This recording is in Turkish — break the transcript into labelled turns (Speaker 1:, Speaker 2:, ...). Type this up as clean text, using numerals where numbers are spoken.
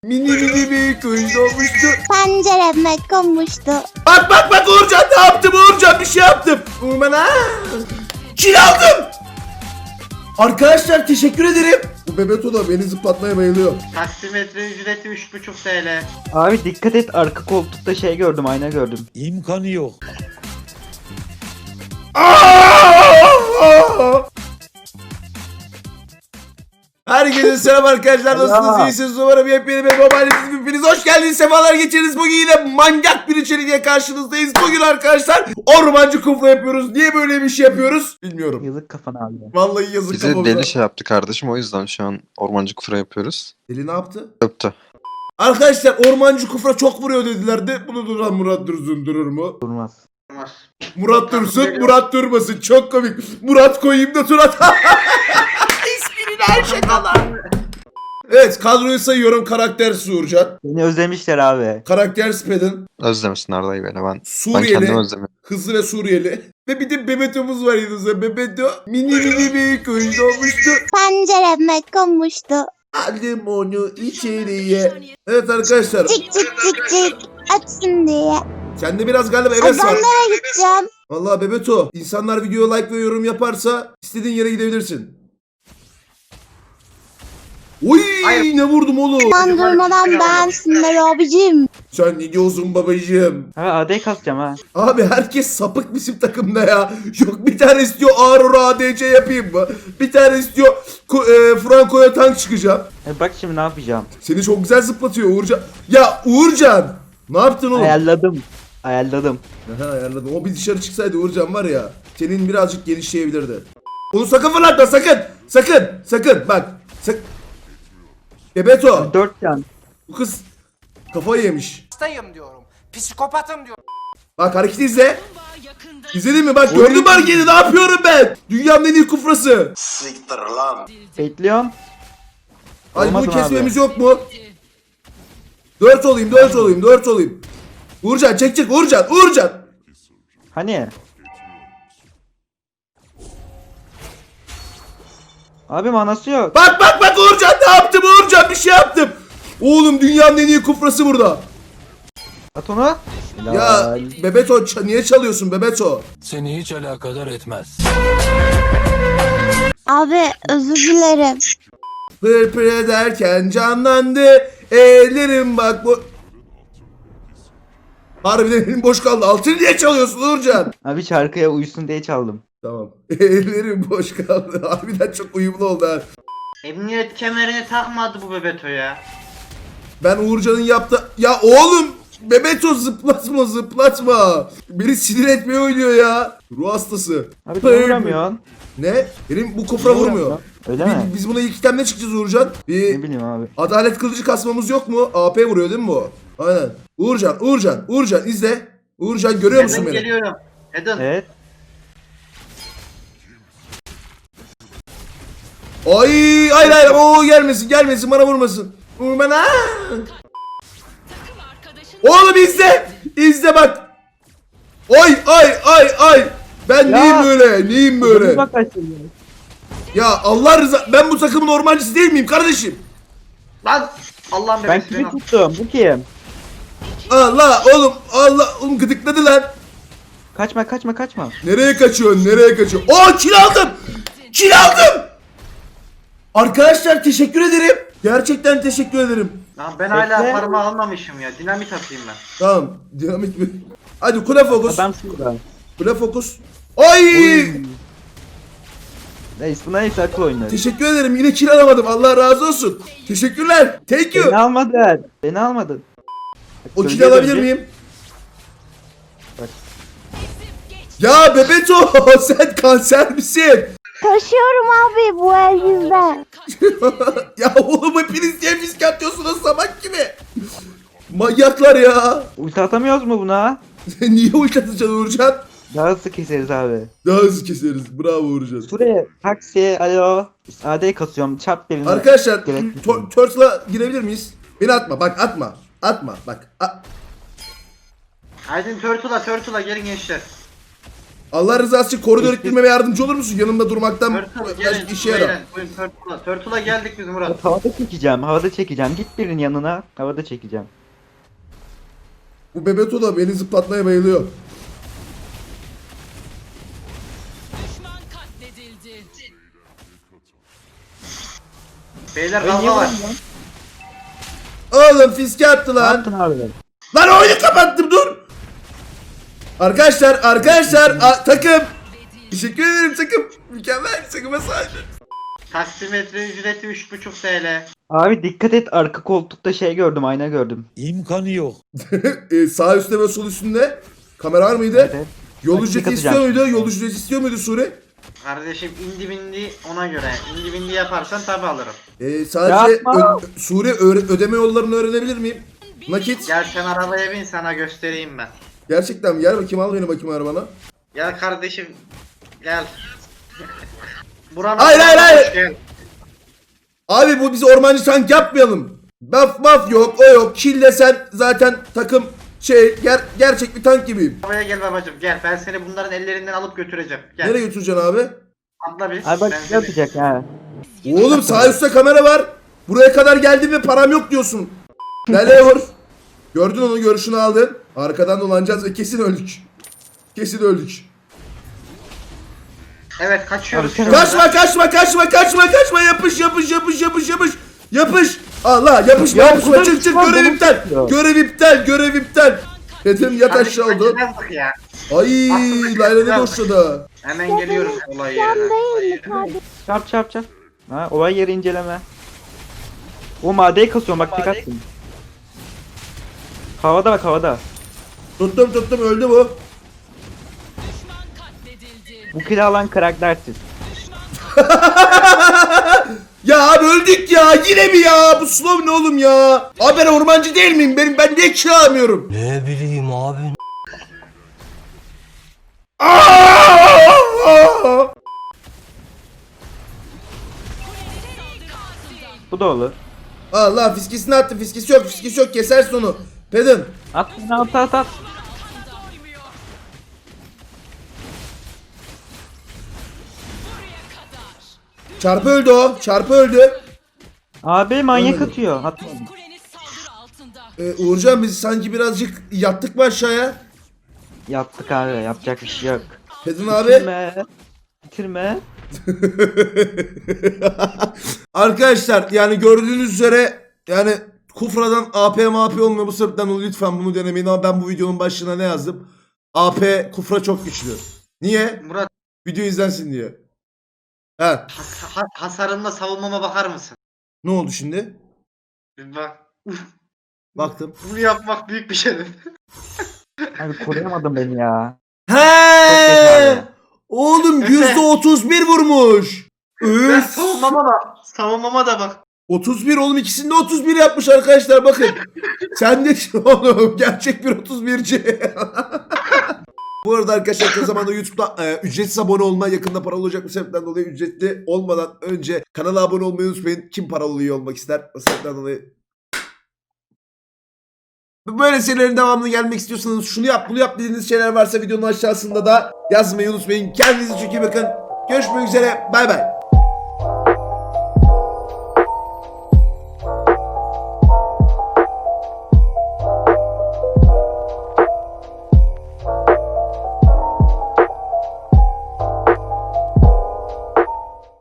Speaker 1: Mini bir kuş doğmuştu.
Speaker 2: Pencereme konmuştu.
Speaker 1: Bak Uğurcan ne yaptım Uğurcan bir şey yaptım. Uğurman kil aldım. Arkadaşlar teşekkür ederim. Bu Bebeto da beni zıplatmaya bayılıyor.
Speaker 3: Taksimetre ücreti 3,5 TL.
Speaker 4: Abi dikkat et, arka koltukta şey gördüm, ayna gördüm.
Speaker 5: İmkanı yok.
Speaker 1: Herkese selam arkadaşlar, nasılsınız, iyisiniz umarım. Yepyeni bir mobiliniz, hepiniz hoş geldiniz, sefalar geçiriniz. Bugün yine manyak bir içerikle karşınızdayız. Bugün arkadaşlar ormancı kufla yapıyoruz. Niye böyle bir şey yapıyoruz bilmiyorum.
Speaker 4: Yazık kafana abi.
Speaker 1: Vallahi yazık
Speaker 6: Bize
Speaker 1: kafamıza.
Speaker 6: deli şey yaptı kardeşim, o yüzden şu an ormancı kufra yapıyoruz.
Speaker 1: Deli ne yaptı?
Speaker 6: Öptü.
Speaker 1: Arkadaşlar ormancı kufra çok vuruyor dediler de bunu duran Murat Dursun durur mu?
Speaker 4: Durmaz.
Speaker 3: Olmaz.
Speaker 1: Murat Dursun, Murat durmasın. Çok komik. Murat koyayım da Turat. İsminin her şey kadar. Evet, kadroyu sayıyorum. Karakter Uğurcan.
Speaker 4: Beni özlemişler abi.
Speaker 1: Karakter Spedin.
Speaker 6: Özlemesin Arda'yı beni, ben
Speaker 1: Suriyeli.
Speaker 6: kendimi özlemiyorum.
Speaker 1: Hızlı ve Suriyeli. Ve bir de Bebeto'muz var yanımızda. Bebeto mini bir kuş doğmuştu.
Speaker 2: Pencereme konmuştu.
Speaker 1: Aldım onu içeriye. Evet arkadaşlar.
Speaker 2: Cik cik cik cik açsın diye.
Speaker 1: Sende biraz galiba
Speaker 2: Ay
Speaker 1: heves
Speaker 2: ben
Speaker 1: var.
Speaker 2: nereye gideceğim?
Speaker 1: Vallahi Bebeto, insanlar videoya like ve yorum yaparsa istediğin yere gidebilirsin. Oy
Speaker 3: Hayır.
Speaker 1: ne vurdum oğlum.
Speaker 2: Ben durmadan beğensinler abicim.
Speaker 1: Sen ne diyorsun babacığım?
Speaker 4: Abi AD kasacağım ha.
Speaker 1: Abi herkes sapık bizim takımda ya. Yok bir tane istiyor Aurora ADC yapayım mı? Bir tane istiyor Franco'ya tank çıkacağım.
Speaker 4: Bak şimdi ne yapacağım.
Speaker 1: Seni çok güzel zıplatıyor Uğurcan. Ya Uğurcan! Ne yaptın oğlum?
Speaker 4: Ayarladım. Ayarladım.
Speaker 1: Aha ayarladım. O bir dışarı çıksaydı Uğurcan var ya. Senin birazcık genişleyebilirdi. Onu sakın fırlatma sakın. Sakın bak. Bebeto.
Speaker 4: 4 can.
Speaker 1: Bu kız kafayı yemiş.
Speaker 7: Hastayım diyorum. Psikopatım diyorum.
Speaker 1: Bak hareketi izle. İzledin mi? Bak gördün mü hareketi? Ne yapıyorum ben? Dünyanın en iyi kufrası.
Speaker 4: Bekliyorum.
Speaker 1: Ay bunu
Speaker 4: Olmasın
Speaker 1: kesmemiz yok mu? 4 olayım. Uğurcan çek Uğurcan.
Speaker 4: Hani? Abi manası yok.
Speaker 1: Bak Uğurcan ne yaptım Uğurcan bir şey yaptım. Oğlum dünyanın en iyi kufrası burada.
Speaker 4: At onu.
Speaker 1: Ya
Speaker 4: Helal.
Speaker 1: Bebeto niye çalıyorsun Bebeto?
Speaker 5: Seni hiç alakadar etmez.
Speaker 2: Abi özür dilerim.
Speaker 1: Pır ederken canlandı ellerim bak bu. Harbiden elim boş kaldı. Altını niye çalıyorsun Uğurcan?
Speaker 4: Abi şarkıya uyusun diye çaldım.
Speaker 1: Tamam. Ellerim boş kaldı. Harbiden çok uyumlu oldu ha.
Speaker 3: Emniyet kemerini takmadı bu Bebeto ya.
Speaker 1: Ben Uğurcan'ın yaptı... Ya oğlum! Bebeto zıplatma. Beni sinir etmeye oynuyor ya. Ruh hastası.
Speaker 4: Abi
Speaker 1: Pır-
Speaker 4: niye vuramıyorsun?
Speaker 1: Ne? Benim bu kufra vurmuyor.
Speaker 4: Öyle mi?
Speaker 1: Biz buna ilk itemle çıkacağız Uğurcan.
Speaker 4: Ne
Speaker 1: Bir
Speaker 4: bileyim abi.
Speaker 1: adalet kılıcı kasmamız yok mu? AP vuruyor değil mi bu? Aynen. Uğurcan izle. Uğurcan görüyor musun
Speaker 3: Eden
Speaker 1: beni?
Speaker 3: geliyorum. Eden.
Speaker 4: Evet.
Speaker 1: Ay hayır o gelmesin bana vurmasın. Vurma ha. Oğlum izle bak. Ay. Ben
Speaker 4: Ya.
Speaker 1: neyim böyle?
Speaker 4: Bak açılıyor.
Speaker 1: Ya Allah ben bu takımın ormancısı değil miyim kardeşim?
Speaker 3: Lan Allah'ım
Speaker 4: Ben
Speaker 3: bebesi
Speaker 4: kimi
Speaker 3: beni.
Speaker 4: tuttum? Bu kim?
Speaker 1: Allah oğlum gıdıkladı lan.
Speaker 4: Kaçma.
Speaker 1: Nereye kaçıyorsun? Oo kill aldım. Arkadaşlar teşekkür ederim. Gerçekten teşekkür ederim.
Speaker 3: Lan ben hala
Speaker 4: Bekle.
Speaker 3: parmağı almamışım ya. Dinamit atayım ben.
Speaker 1: Tamam dinamit mi? Hadi kule fokus.
Speaker 4: Adam şurada.
Speaker 1: Kule fokus. Ay!
Speaker 4: Neyse akıl oyunları.
Speaker 1: Teşekkür ederim. Yine kill alamadım. Allah razı olsun. Teşekkürler. Thank you.
Speaker 4: Beni almadın.
Speaker 1: O kill alabilir miyim?
Speaker 4: Bak.
Speaker 1: Ya Bebeto sen kanser misin?
Speaker 2: Taşıyorum abi bu el yüzden.
Speaker 1: Ya oğlum hepiniz niye fiske atıyorsunuz sabah gibi? Manyaklar ya.
Speaker 4: Ulti atamıyoruz mu buna?
Speaker 1: Niye ulti atacaksın Uğurcan?
Speaker 4: Daha hızlı keseriz abi.
Speaker 1: Daha hızlı keseriz. Bravo Uğurcan.
Speaker 4: Şuraya taksi alo. AD kasıyorum. Çarp birini.
Speaker 1: Arkadaşlar
Speaker 4: Gerek yok.
Speaker 1: Turtle'a girebilir miyiz? Beni atma. Bak atma. Bak.
Speaker 3: Aydın Turtle'a gelin gençler.
Speaker 1: Allah rızası için koridor ittirmeme yardımcı olur musun? Yanımda durmaktan
Speaker 3: Turtle gelin.
Speaker 1: işe yarar.
Speaker 3: Beyler, buyurun Turtle'a. Turtle'a geldik biz Murat.
Speaker 4: Havada çekeceğim. Havada çekeceğim. Git birinin yanına. Havada çekeceğim.
Speaker 1: Bu Bebeto da beni zıplatmaya bayılıyor.
Speaker 3: Beyler
Speaker 4: Ben niye
Speaker 3: kavga var.
Speaker 4: vuruyorum lan?
Speaker 1: Oğlum fiske attı
Speaker 4: Ne
Speaker 1: lan.
Speaker 4: yaptın abi?
Speaker 1: Lan oyunu kapattım dur. Arkadaşlar takım. Teşekkür ederim takım. Mükemmel takıma sahip.
Speaker 3: Taksimetre ücreti 3,5 TL.
Speaker 4: Abi dikkat et, arka koltukta şey gördüm, ayna gördüm.
Speaker 5: İmkanı yok.
Speaker 1: Sağ üstte ve sol üstünde kamera var mıydı?
Speaker 4: Evet.
Speaker 1: Yol
Speaker 4: Bak,
Speaker 1: ücreti
Speaker 4: dikkat
Speaker 1: istiyor
Speaker 4: edeceğim.
Speaker 1: muydu? Yol ücreti istiyor muydu Suri?
Speaker 3: Kardeşim indi bindi ona göre. İndi bindi yaparsan tabi alırım.
Speaker 1: Sadece
Speaker 4: Yapma.
Speaker 1: Suri ödeme yollarını öğrenebilir miyim? Nakit.
Speaker 3: Gel sen arabaya bin sana göstereyim ben.
Speaker 1: Gerçekten mi? Gel bakayım al beni bakayım arabana.
Speaker 3: Gel kardeşim. Gel. Buranın
Speaker 1: Hayır.
Speaker 3: Gel.
Speaker 1: Abi bu biz ormancı tank yapmayalım. Maf yok o yok. Kill desen zaten takım gerçek bir tank gibiyim.
Speaker 3: Arabaya gel babacım gel. Ben seni bunların ellerinden alıp götüreceğim. Gel.
Speaker 1: Nereye götüreceksin abi?
Speaker 3: Atla bir.
Speaker 4: Abi bak
Speaker 3: Ben
Speaker 4: ne
Speaker 3: seni-
Speaker 4: yapacak ha.
Speaker 1: Oğlum sağ üstte kamera var. Buraya kadar geldim ve param yok diyorsun. Nereye vur? Gördün onu, görüşünü aldın. Arkadan dolanacağız ve kesin öldük. Kesin öldük.
Speaker 3: Evet kaçıyoruz.
Speaker 4: Abi,
Speaker 3: şu anda.
Speaker 1: Kaçma. Yapış. Allah yapışma.
Speaker 4: Ya,
Speaker 1: Çık
Speaker 4: buradan
Speaker 1: görev iptal.
Speaker 4: çıkıyor.
Speaker 1: Görev iptal. Dedim yat aşağı oldu.
Speaker 3: Kaçırmazdık ya.
Speaker 1: Ay Layla ne boşladı.
Speaker 3: Hemen geliyoruz olay
Speaker 2: Sen
Speaker 3: yerine.
Speaker 2: değil mi kardeşim?
Speaker 4: Çarp. Ha, olay yeri inceleme. O madeyi kasıyorum, bak dikkat edin. Havada bak, havada.
Speaker 1: Tuttum öldü bu.
Speaker 4: Bu kili alan karaktersiz.
Speaker 1: Ya abi öldük ya, yine mi ya? Bu slow ne oğlum ya? Abi ben ormancı değil miyim? Ben niye çağırmıyorum?
Speaker 5: Ne bileyim abi.
Speaker 4: Bu da olur.
Speaker 1: Allah fiskesini attı, fiskesi yok, kesersin onu. Pedin.
Speaker 4: At.
Speaker 1: Çarpı öldü o, çarpı öldü.
Speaker 4: Abi manyak
Speaker 1: Ölmedi.
Speaker 4: atıyor. Atmadım.
Speaker 1: Uğurcan biz sanki birazcık yattık mı aşağıya?
Speaker 4: Yaptık abi, yapacak bir şey yok.
Speaker 1: Pedin abi.
Speaker 4: Bitirme.
Speaker 1: Arkadaşlar yani gördüğünüz üzere yani Kufra'dan AP olmuyor, bu sebepten dolayı lütfen bunu denemeyin, ama ben bu videonun başlığına ne yazdım? AP Kufra çok güçlü. Niye?
Speaker 3: Murat
Speaker 1: Video izlensin diye. Ha,
Speaker 3: hasarımla savunmama bakar mısın?
Speaker 1: ne oldu şimdi?
Speaker 3: Bir bak.
Speaker 1: Baktım.
Speaker 3: Bunu yapmak büyük bir şey.
Speaker 4: Abi koruyamadım beni ya.
Speaker 1: He! Oğlum %31 vurmuş.
Speaker 3: Ben
Speaker 1: Üf.
Speaker 3: savunmama da bak.
Speaker 1: 31 oğlum, ikisinde 31 yapmış arkadaşlar, bakın. Sen de oğlum gerçek bir 31'ci. Bu arada arkadaşlar yakın zamanda YouTube'da ücretsiz abone olma, yakında paralı olacak, bu sebepten dolayı ücretli olmadan önce kanala abone olmayı unutmayın. Kim paralı üye olmak ister? Bu sebepten dolayı. Böyle serilerin devamını gelmek istiyorsanız şunu yap bunu yap dediğiniz şeyler varsa videonun aşağısında da yazmayı unutmayın. Kendinize çok iyi bakın. Görüşmek üzere. Bay bay.